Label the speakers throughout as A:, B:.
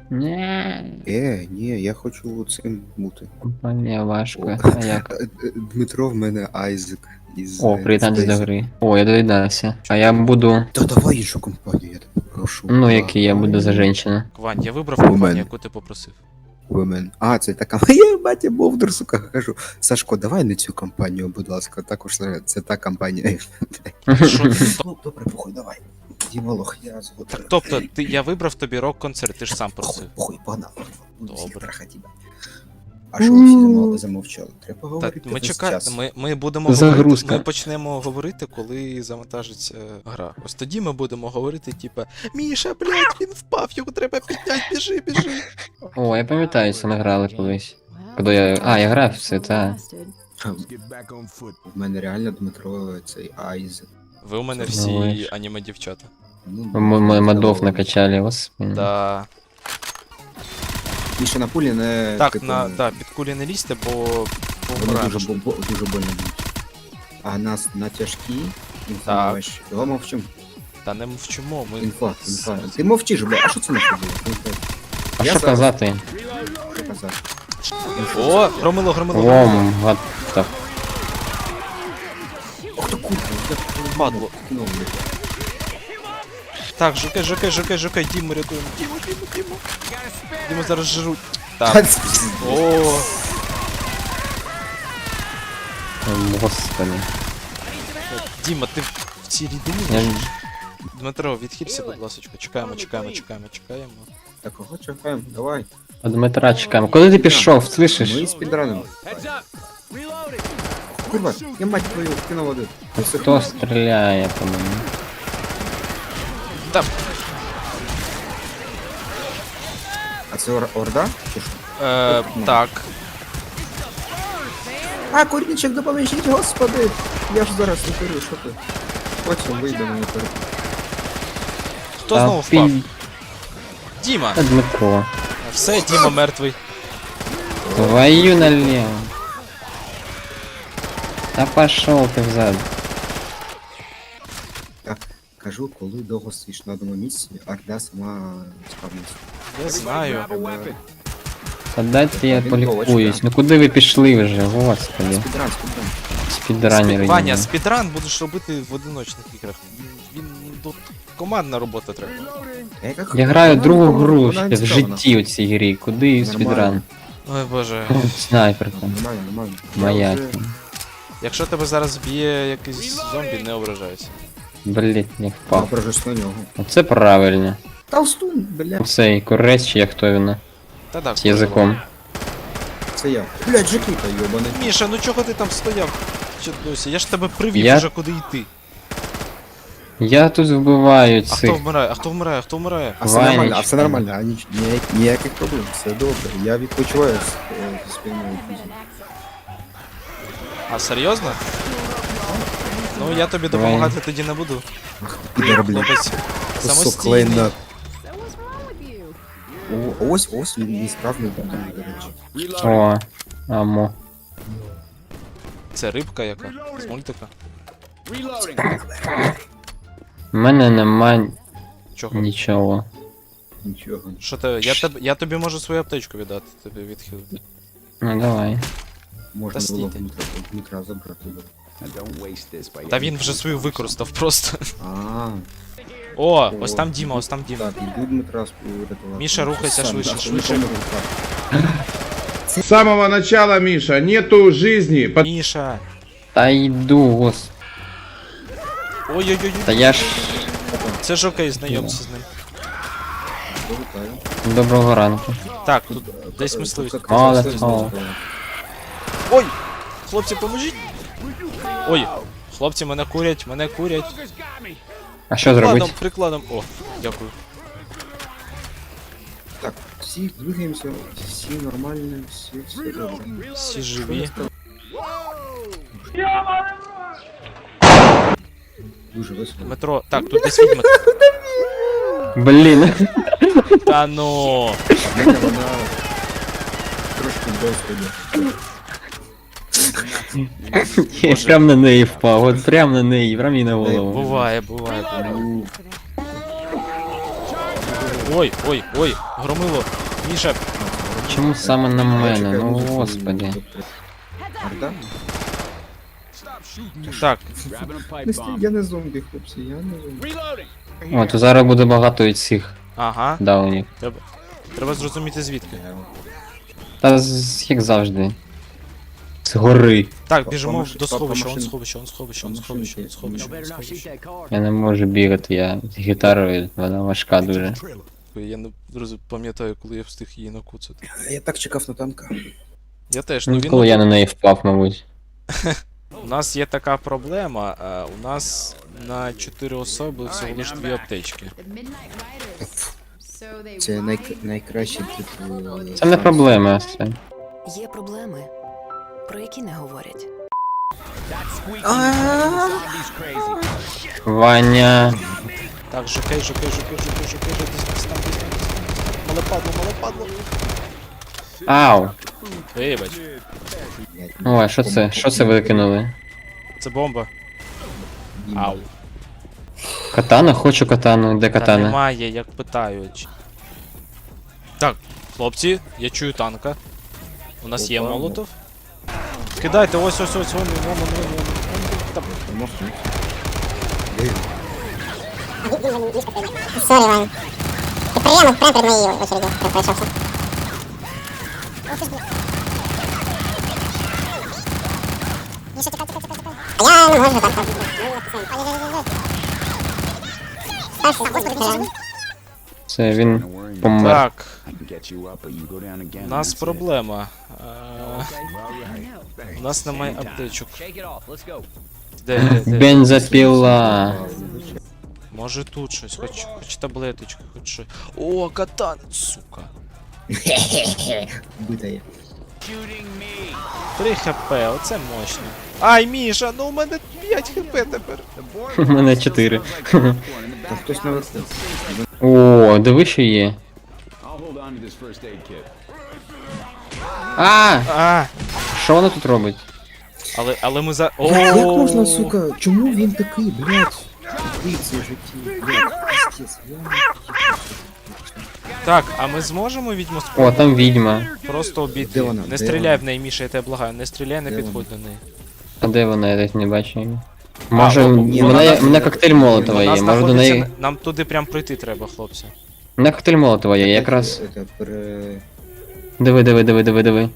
A: Ні,
B: Ні, я хочу цим бути.
A: компанія важко.
B: О.
A: А як?
B: Дмитро в мене Айзек із
A: О, приєднатися до
B: Space.
A: гри. О, я доєднався. А я буду.
B: Та давай іншу компанію, я тебе прошу.
A: Ну, який я буду за женщина.
C: Вань, я вибрав
B: Woman.
C: компанію, яку ти попросив.
B: Women. А, це така моя батя Бовдур, сука, кажу. Сашко, давай не цю компанію, будь ласка. Також це та компанія.
C: Що ти?
B: Ну, добре, похуй, давай. Діма Лох, я згоден.
C: Так, тобто, я вибрав тобі рок-концерт, ти ж сам просив.
B: Похуй, погнали.
C: Добре.
B: А що ви всі замовчали? Треба
C: Так,
B: говорити
C: ми
B: весь
C: чекаємо,
B: час.
C: ми будемо
A: Загрузка.
C: говорити, ми почнемо говорити, коли завантажиться гра. Ось тоді ми будемо говорити, типа, Міша, блядь, він впав, його треба підняти, біжи, біжи.
A: О, я пам'ятаю, що ми грали колись. Коли я. А, я грав в це, та.
B: В мене реально Дмитро цей Айзек.
C: Ви у мене
A: Це
C: всі
A: знаєш.
C: аніме-дівчата.
B: Ну,
A: Модов накачали, господи.
C: Да.
B: Більше на пулі не...
C: Так,
B: типу,
C: да, під кулі не лізьте, бо
B: Вони
C: помираємо.
B: дуже больно б'ють. А нас на тяжкі
C: Так.
B: інфа. Давай мовчим.
C: Та не мовчимо, ми...
B: Інфа. Ти мовчиш, бля, а що це нахуй було?
A: А
B: Я
A: що
B: зараз-
A: казати?
B: Що казати?
C: О, громило, громило.
A: Вом, вот так.
B: Ох ти курка, я
C: Падло.
B: кинув, блядь.
C: Так, жукай, Діму рятуємо. Діму. Діму зараз жруть.
B: Та
C: Так.
B: це-
C: О,
A: Господи.
C: Діма, ти в цій рідині
A: Я...
C: лежиш? Дмитро, відхилься, будь ласка. Чекаємо.
B: Так, кого чекаємо? Давай.
A: От Дмитра чекаємо. Куди ти пішов,
B: Ми
A: слышиш?
B: спідранимо. Курва, я мать твою кинув води.
A: Хто стріляє по мені?
C: Та,
B: А це Орда? Чи що?
C: так.
B: А, курничок, допоможіть, господи! Я ж зараз не курю, що ти? Потім вийдемо на перед.
C: Хто знову впав? Діма!
A: Та Дмитро.
C: Все, Діма мертвий.
A: Твою налево. Та пошел ти взад.
B: Так, кажу, коли довго стоїш на одному місці, Орда сама справиться.
C: Я знаю.
A: Та дайте я полікуюсь. Ну куди ви пішли вже, господи.
B: Спідран.
A: Спідранери.
C: Ваня,
A: єдині.
C: спідран будеш робити в одиночних іграх. Він тут командна робота треба.
A: Я граю другу гру в житті у цій грі. Куди
B: Нормально.
A: спідран?
C: Ой боже.
B: Ну,
A: Снайперка.
B: Нормально.
A: Моя.
C: Якщо тебе зараз б'є якийсь зомбі, не ображайся.
A: Блять, не
B: Я
A: впав.
B: ображусь на нього.
A: Оце правильно.
B: Толстун, бля.
A: Цей курець чи як то він
C: Та так.
A: з язиком.
B: Це я. Блядь, Жакіта, йобаний.
C: Міша, ну чого ти там стояв? Ще досі? Я ж тебе привів
A: Я-
C: уже куди йти.
A: Я тут вбиваю
C: А
A: цих.
C: хто вмирає?
B: А все нормально,
A: Ванечка.
B: а все нормально, а ніяких проблем, все добре. Я відпочиваю зі спільною фізі.
C: А серйозно? Ну я тобі допомагати тоді не буду.
B: Підер, блядь.
C: Хлопець
B: Кусок
C: самостійний.
B: лайна. Ось він справжній бутон, до речі.
A: О, амо.
C: Це рибка яка? З мультика?
A: У мене нема
C: Чого?
A: нічого.
B: Нічого.
C: Що ти? Я тобі можу свою аптечку віддати, тобі відхилити.
A: Ну давай.
B: Можна
C: Та
B: було
C: стійте.
B: Дмитра забрати.
C: Та він вже свою використав просто.
B: А,
C: О, ось там Діма.
B: так, іду Дмитра врятувати.
C: Міша, рухайся
B: Сам,
C: швидше,
B: да,
C: швидше.
B: не помню, так.
D: С самого начала, Миша, нету жизни.
C: Міша!
A: Та йду, гос.
C: Ой-ой-ой,
A: Та я ж.
C: це ж окей, знайомся з ним.
B: Вітаю.
A: Доброго ранку.
C: Так, тут десь мисливець.
B: Тут
A: Молодець,
B: мисливець
A: молодець.
B: зброї.
C: Ой! Хлопці, поможіть! Ой! Хлопці, мене курять.
A: А що зробити?
C: Прикладом. О, дякую.
B: Так, всі двигаємося, всі нормально, все добре.
C: Всі живі.
B: Дуже весело.
C: Метро. Так, тут десь відьма.
A: Блін.
C: Та ну.
B: В мене вона трошки досвіду.
A: Я прям на неї впав, от прям на неї, прям їй на голову.
C: Буває. Ой, ой, ой, громило. Міша,
A: Чому саме на мене?
B: Чекай,
A: Ну
B: музику
A: господи.
B: Орда?
C: так,
B: Я не зомбі, хлопці, я не зомбі.
A: О, то зараз буде багато від цих
C: ага.
A: даунів.
C: Треба зрозуміти звідки.
A: Та як завжди. З гори.
C: Так, біжимо
B: По
C: до сховища,
B: машин-
C: он сховище, он сховище, он
B: по
C: сховище, он
B: машинці.
C: сховище, он сховище.
A: Я не можу бігати, я з гітарою, вона важка дуже.
C: Я не пам'ятаю, коли я встиг її накуцати.
B: Я так чекав на танка.
C: Я теж,
A: Ну,
C: він
A: коли я на неї впав, мабуть.
C: У нас є така проблема, у нас на 4 особи всього лиш 2 аптечки.
B: Це найкращий тип.
A: Це не проблема, це.
E: Є проблеми, про які не говорять.
A: Ваня.
C: Так, жокей, десь там. Мале падло.
A: Ау.
C: Вибач,
A: Ой, а що це? Що це викинули?
C: це бомба. Ау.
A: Катана? Хочу катану. Де
C: Та
A: катана?
C: немає, як питають. Так, хлопці, я чую танка. У нас є
B: Опа,
C: молотов. Кидайте, ось, вон. Там.
F: Сори, Вань. Ты прямо перед моей очередью прошелся. А я не могу так.
A: Це він помер.
C: Так, у нас проблема. У нас немає аптечок. Де?
A: Бензопіла.
C: Може тут щось, хоч таблеточки, хоч щось. О, катан, сука.
B: Битає.
C: 3 хп, оце мощно. Ай, Міша, ну у мене 5 хп тепер.
A: У мене 4.
B: Там хтось наверху.
A: О, диви, що є. А!
C: А,
A: Що воно тут робить?
C: але ми за...
B: Як можна,
C: О,
B: сука? Чому він такий, блядь? Вбивці в житті, блядь. Пиздец, я не
C: Так, а ми зможемо відьму
A: О,
C: спробувати?
A: там відьма.
C: Просто обійти.
B: Де вона?
C: Не
B: Де
C: стріляй
B: вона?
C: в неї, Міша, я тебе благаю, не стріляй, не
B: Де
C: підходь до неї.
A: А де вона? Я десь не бачу її. Може,
C: ні,
A: у мене коктейль Молотова
C: Вона
A: є, може до
C: знаходиться...
A: неї.
C: Нам туди прям прийти треба, хлопці.
A: У мене коктейль Молотова є, якраз.
B: Это
A: Диви.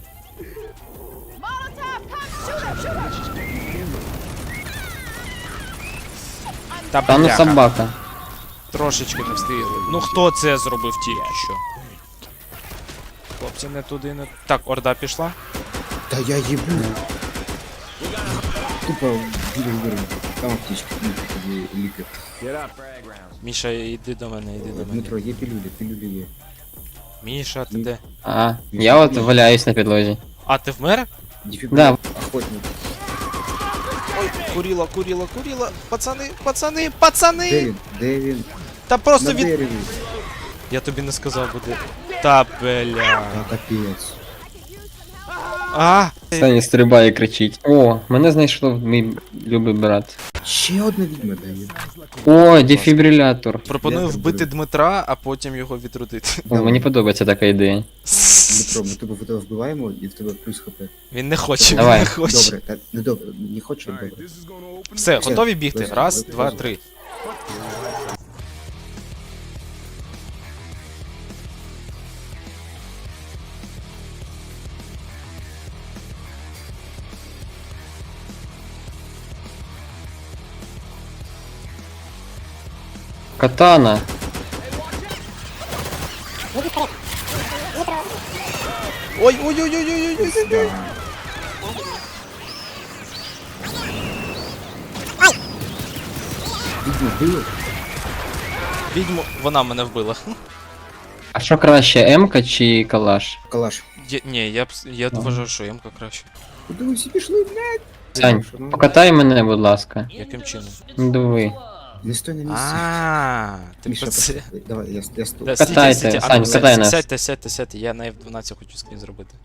A: Та ну
C: бляха,
A: собака.
C: Трошечки не встигли. Ну хто це зробив тільки що? Хлопці, не туди, не... Так, орда пішла.
B: Та я їбу. Тупо біля вирву. Там аптечка, ну, тоді лікар.
C: Міша, йди до мене, йди до мене.
B: Дмитро, є пілюлі є.
C: Міша, ти де?
A: А, я от валяюсь на підлозі.
C: А, ти вмер?
B: Дефібрил.
A: Да.
B: Охотник.
C: Ой, куріла. Пацани!
B: Де він?
C: Та просто
B: На
C: від...
B: дереві.
C: Я тобі не сказав буде. Та бля.
B: А, капець.
C: А!
A: Саня стрибає і кричить. О, мене знайшов мій любий брат.
B: Ще одна відьма дає.
A: О, дефібрилятор.
C: Пропоную вбити Дмитра, а потім його відродити.
A: О, мені подобається така ідея.
B: Дмитро, ми тебе вбиваємо і в тебе плюс хп.
C: Він не хоче,
A: Давай.
C: він не хоче.
B: Добре, та не добре, не хочу, добре.
C: Все,
B: Все,
C: готові бігти?
B: лезь,
C: Раз,
B: лезь,
C: два,
B: лезь.
C: три.
A: Катана.
C: Ой.
B: Відьму вбили?
C: Відьму, вона мене вбила.
A: А що краще, М-ка чи калаш?
B: Калаш.
C: Ні, я вважаю, що М-ка краще.
B: Куди ви всі пішли, блядь?
A: Сань,
B: Ну,
A: покатай мене, будь ласка.
C: Яким чином?
A: Диви.
B: Не стой на місці.
C: А, ти
B: Міша,
C: про це.
B: давай, я стою.
C: Да,
A: Катайте,
C: стійте,
A: Сань,
C: ну,
A: катай нас.
C: Сядьте, я на F12 хочу скрін зробити.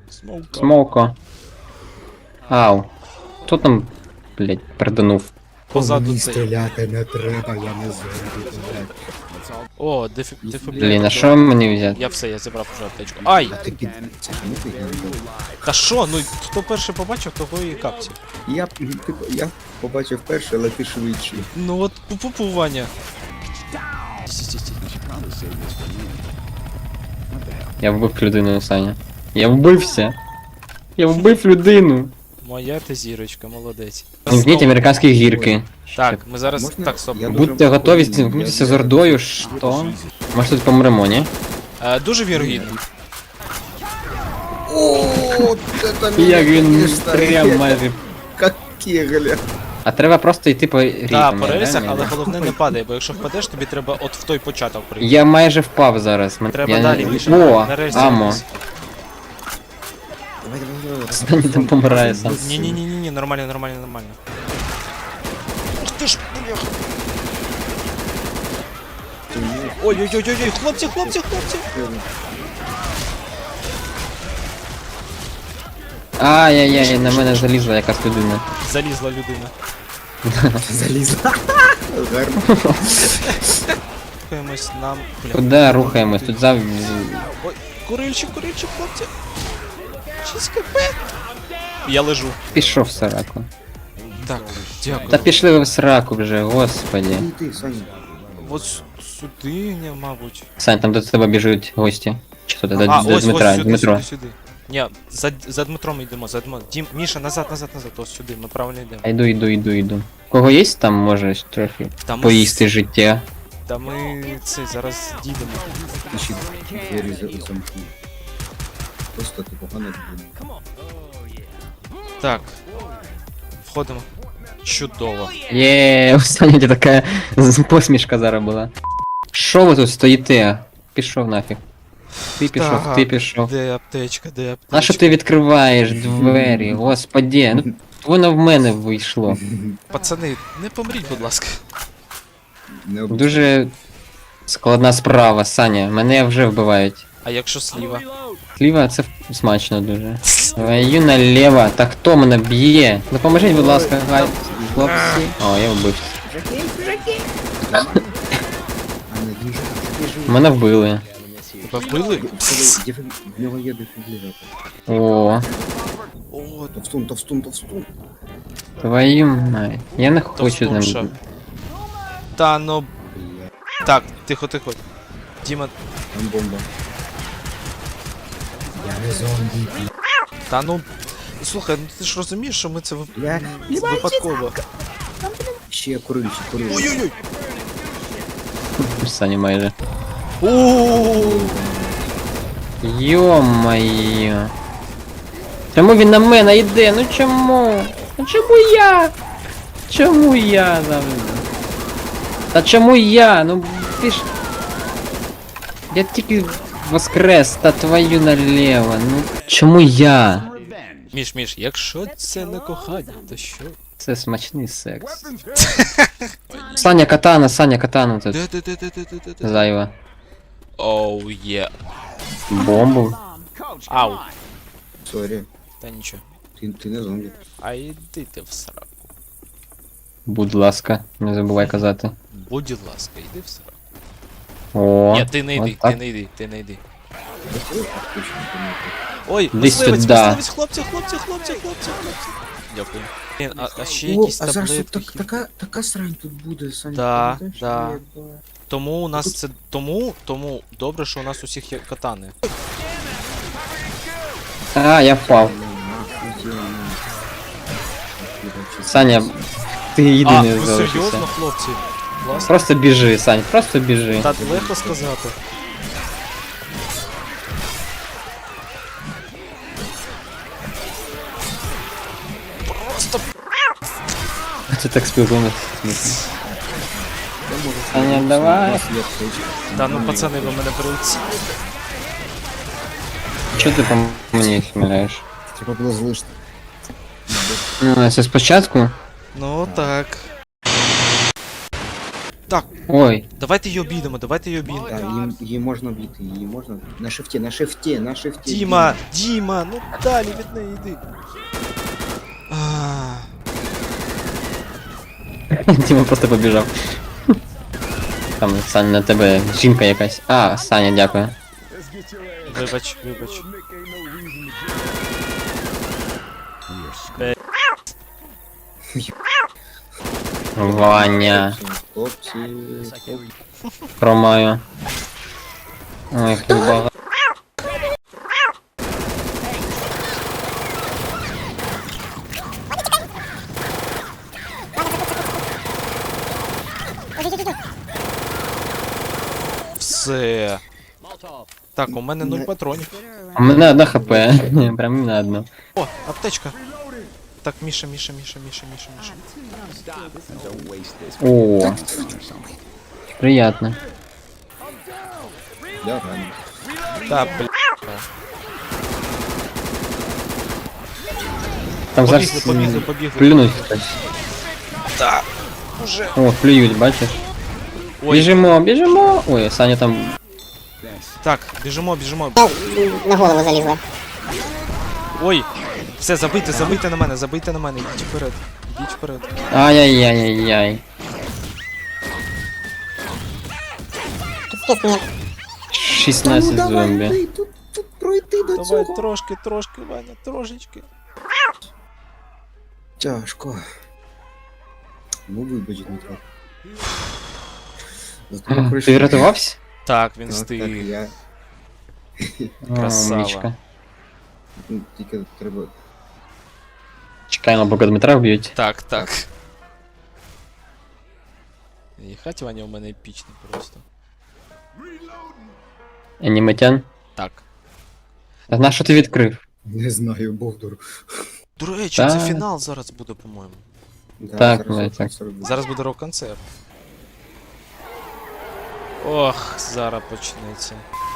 C: Смоука.
A: Смоуко. Ау. Хто там, блять, перданув?
C: позаду
B: Мені
C: цей.
B: стріляти не треба, я не зомбі, блядь.
C: О,
A: Блін, а
C: дефібрилятор.
A: що мені взяти?
C: Я все, я зібрав уже аптечку. Ай!
B: А ти під... Чому ти не робив?
C: Та що, ну хто перший побачив, того і капці.
B: Я побачив перше, але ти швидший.
C: Ну от пу-пу-пу, Ваня. Стій.
A: Я вбив людину, Саня. Я вбився. Я вбив людину.
C: Моя ти зірочка, молодець.
A: Візьміть американські гірки.
C: Так, ми зараз.
B: Можна?
C: Так, стоп.
B: Я
A: Будьте
B: дуже
A: готові
B: спокійний,
A: зіткнутися
B: я
A: з ордою, що? Може тут помремо, ні?
C: Дуже вірогідно.
B: О, це
A: Як він прям майже.
B: Как кегля.
A: А треба просто йти по рітму.
C: Так, по рельсах, але головне не падай, бо якщо впадеш, тобі треба от в той початок прийти.
A: Я майже впав зараз.
C: Треба
A: я...
C: далі, Міша,
A: О,
C: на рельсі.
A: амо.
B: Давай.
A: Саня там помирає сам.
C: Ні, нормально. Ух ти ж, бляха. Ой, хлопці.
A: Ай-яй-яй, на мене залізла якась людина.
C: Залізла людина.
B: Залізла. Гарно.
C: Рухаємось нам. Бля.
A: Куди рухаємось? Тут
C: Ой, курильчик, хлопці. 6 кп. Я лежу.
A: пішов в сраку.
C: Так, дякую.
A: Та пішли ви в сраку вже, господі.
B: Ти, Саня.
C: От сюди, мабуть.
A: Сань, там до тебе біжуть гості. Чи хто до
C: А, ось
A: Дмитра?
C: сюди,
A: Дмитро.
C: сюди. Ні, за Дмитром йдемо, за Дмитром. Міша, назад, ось сюди, ми правильно йдемо.
A: А йду. Кого є там, може, трохи
C: Та ми
A: поїсти життя?
C: Та ми це зараз дійдемо.
B: Ищи двері замкни. Просто ти погано думаєш.
C: Так. Входимо. Чудово.
A: Є, останнє така посмішка зараз була. Що ви тут стоїте? Пішов нафіг.
C: Так.
A: Ти пішов.
C: Де аптечка?
A: Нащо ти відкриваєш двері? Господі, ну воно в мене вийшло.
C: Пацани, не помріть, будь ласка.
B: Не
A: Дуже складна справа, Саня. Мене вже вбивають.
C: А якщо сліва?
A: Сліва це смачно дуже. Твою наліво. Та хто мене б'є? Допоможіть, будь ласка, хлопці. О, я вбився. Мене вбили.
C: Тебе вбили?
B: В нього є дефібрилятор.
A: О,
C: О,
B: Товстун.
A: твою мать. Я не хочу з
C: Товстунша.
A: ним.
C: Та ну. Так, тихо. Діма,
B: Там бомба. Я не зомбі.
C: та ну. Слухай, ну ти ж розумієш, що ми це
B: Я...
C: випадково.
B: Ще курильчик.
C: Ой-ой-ой!
A: Саня майже.
C: Ооо!
A: Йо-моє. Чому він на мене йде? Ну чому? Ну чому я? Чому я завжди? Та чому я? Ну ти ж... Я тільки воскрес, та твою наліво. Ну чому я?
C: Міш, якщо це не кохання, то що?
A: Це смачний секс. Саня катана тут.
C: Де?
A: Зайва.
C: Оу, є.
A: Бомбу.
C: Ау.
B: Сорі.
C: Та нічого.
B: Ти не зомбі.
C: А йди ти в сраку.
A: Будь ласка, не забувай казати.
C: Будь ласка, йди в сраку.
A: О,
C: Ні, ти не йди,
A: от так.
C: ти не йди. Ой,
A: Іди
C: мисливець,
A: сюди.
C: хлопці. Дякую. Блін, а ще
B: О,
C: якісь
B: а зараз тут
C: таблетки.
B: така срань тут буде, Саня.
C: Да,
B: пам'ятаєш,
C: да.
B: як була?
C: Тому у нас це. Тому добре, що у нас усіх є катани.
A: А, я впав. Саня, ти
C: А,
A: єдиний
C: ви
A: залишився.
C: серйозно, хлопці? Класно.
A: Просто біжи, Сань, просто біжи.
C: Та легко сказати.
A: Це так спілкуємося. Саня, давай.
C: Та ну пацани, ви мене беруть.
A: Чого ти по мені сміляєш?
B: Треба було залишити.
A: Ну, це спочатку?
C: Ну так. Так,
A: Ой,
C: давайте її обійдемо.
B: Так, її можна обійти, її можна. На шифті.
C: Діма, ну далі від неї йди. А,
A: Тіма просто побіжав. Там, Саня, на тебе жінка якась. А, Саня, дякую.
C: Вибач, вибач.
A: Ваня.
B: Хлопці.
A: Промаю. Ой, хто багато.
C: Все. Так, у мене 0 патронів.
A: У мене одна хп. Прям на одну.
C: О, аптечка. Так, Міша.
A: О. Приятно.
B: Я ранен.
C: Да, бля.
A: Там зараз
C: Побігли.
A: плюнуть хтось.
C: Да. Уже.
A: О, плюють, бачиш?
C: Ой,
A: Біжимо. Ой, Саня там.
C: так, біжимо.
F: Я на голову залізла.
C: Ой. Все, забийте на мене, ідіть вперед.
A: Ай-яй-яй-яй-яй.
F: Кис-кис, ні.
A: 16 зомбі.
B: Тут пройти до
C: Давай
B: цього.
C: трошки, Ваня, трошечки.
B: Тяжко. Ну вибач, Дмитро. Зато ми пройшли.
A: Ти врятувався?
C: Так, він
B: Так,
C: встиг.
B: я.
C: Красава.
A: Умнічка.
B: Ну, тільки треба.
A: Чекаємо, поки Дмитра вб'ють.
C: Так. Їхать Ваня у мене епічний просто.
A: Аніматян.
C: Так.
A: А на що ти відкрив?
B: Не знаю, Бовдур.
C: До речі,
A: Та-
C: це фінал зараз буде, по-моєму.
B: Да,
A: Так,
B: зараз
A: ну,
B: я
A: так.
B: все роблю.
C: Зараз буде рок-концерт. Ох, зараз почнеться.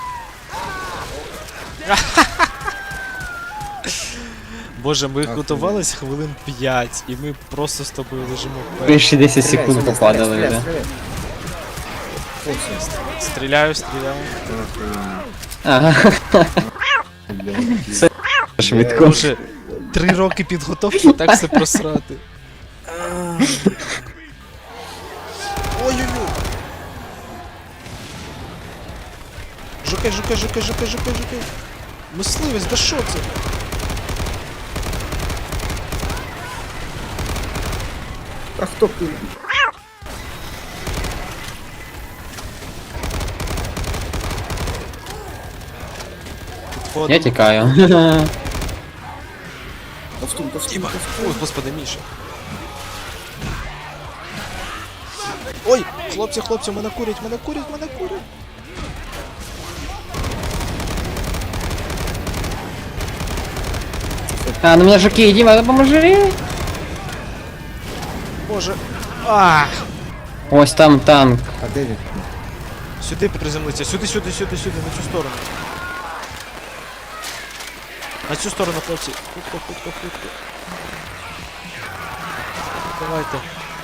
C: Боже, ми
B: Ах,
C: готувались хвилин 5, і ми просто з тобою лежимо в
A: Перші 10 секунд
B: Стріляй,
A: попадали
B: стріляй,
A: вже.
B: стріляй. Хлопці.
C: Стріляю.
A: Ага,
B: Бля.
A: швидко.
C: Боже, 3 роки підготовки, так все просрати. Ой-ой-ой. Жукай. Мисливець, да що це?
B: А хто ти?
A: Я тікаю.
B: Товстун.
C: Діма! Ой, господи, Міша. Ой, хлопці, мене курять.
A: А, на мене жуки, Діма, допоможи.
C: Боже. Ах!
A: Ось там танк.
B: А де він?
C: Сюди приземлиться, сюди, на цю сторону. На цю сторону, хлопці. Хутко. Давайте.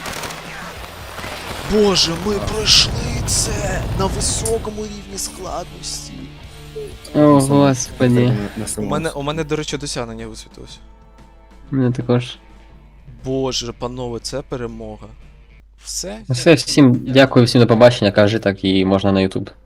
C: Боже, ми пройшли це на високому рівні складності.
A: О, господи.
C: У мене, до речі, досягнення висвітилось.
A: Мене також.
C: Боже, панове, це перемога. Все?
A: Все, всім дякую, всім до побачення, кажи так і можна на YouTube.